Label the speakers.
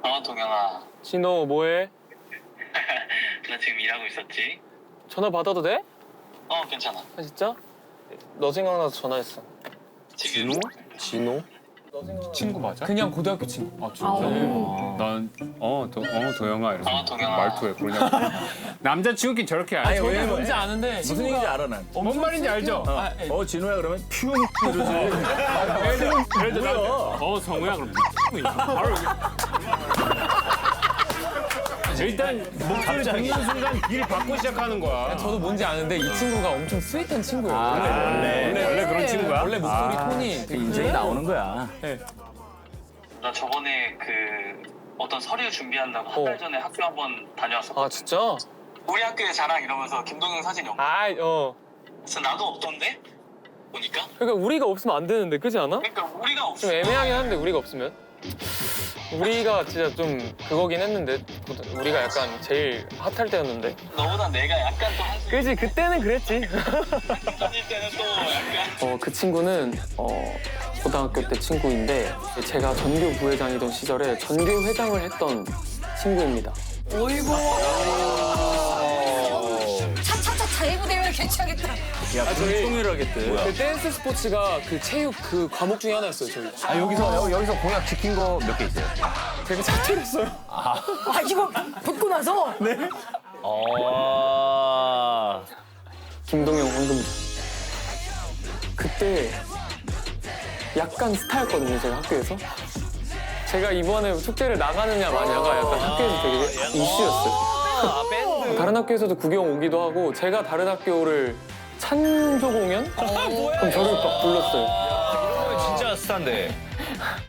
Speaker 1: 동영아.
Speaker 2: 진호 뭐해?
Speaker 1: 나 지금 일하고 있었지?
Speaker 2: 전화 받아도 돼?
Speaker 1: 괜찮아.
Speaker 2: 아 진짜? 너 생각나서 전화했어.
Speaker 1: 지금
Speaker 2: 진호?
Speaker 3: 친구 맞아?
Speaker 4: 그냥 고등학교 친구.
Speaker 3: 아 진짜? 난 도영아 이러면서
Speaker 1: 동영아.
Speaker 3: 말투에 그냥 남자친구끼리 저렇게
Speaker 5: 아니,
Speaker 3: 알지?
Speaker 5: 왜냐면
Speaker 4: 뭔지 아는데
Speaker 5: 무슨 얘기인지 알아 난.
Speaker 3: 뭔 말인지 알죠?
Speaker 5: 진호야 그러면 퓨 이러지.
Speaker 3: 예를 들어
Speaker 5: 뭐야?
Speaker 3: 나한테 성우야 그럼 바로 여기. 일단 목소리 듣는 순간 길 받고 시작하는 거야.
Speaker 4: 저도 뭔지 아는데 이 친구가 엄청 스윗한 친구예요.
Speaker 5: 원래
Speaker 3: 그런 친구야?
Speaker 4: 원래 목소리 톤이 되게
Speaker 5: 인생이 나오는 거야.
Speaker 1: 나 저번에 어떤 서류 준비한다고 한 달 전에 학교 한번 다녀왔었거든.
Speaker 2: 아 진짜?
Speaker 1: 우리 학교의 자랑 이러면서 김동영 사진이 없고. 그래서 나도 없던데? 보니까.
Speaker 2: 그러니까 우리가 없으면 안 되는데 그렇지 않아?
Speaker 1: 그러니까 우리가 없어.
Speaker 2: 좀 애매하긴 한데 우리가 없으면 우리가 진짜 좀 그거긴 했는데 우리가 약간 제일 핫할 때였는데
Speaker 1: 너보다 내가 약간 또 한수
Speaker 2: 그지 그때는 그랬지.
Speaker 1: 다닐 때는 또 약간.
Speaker 2: 그 친구는 고등학교 때 친구인데 제가 전교 부회장이던 시절에 전교 회장을 했던 친구입니다.
Speaker 6: 차차차 자이브 대회를 개최하겠다.
Speaker 5: 야, 불통일하겠대.
Speaker 2: 그 댄스 스포츠가 그 체육 그 과목 중에 하나였어요 저희.
Speaker 5: 아 여기서 공약 지킨 거 몇 개 있어요?
Speaker 2: 제가 자퇴했어요.
Speaker 6: 아 이거 붙고 나서
Speaker 2: 김동영 황금조. 그때 약간 스타였거든요 제가 학교에서. 제가 이번에 축제를 나가느냐 마냐가 약간 학교에서 되게 이슈였어요. 다른 학교에서도 구경 오기도 하고 제가 다른 학교를 찬조 공연? 그럼 저를 막 불렀어요.
Speaker 5: 진짜 스타인데.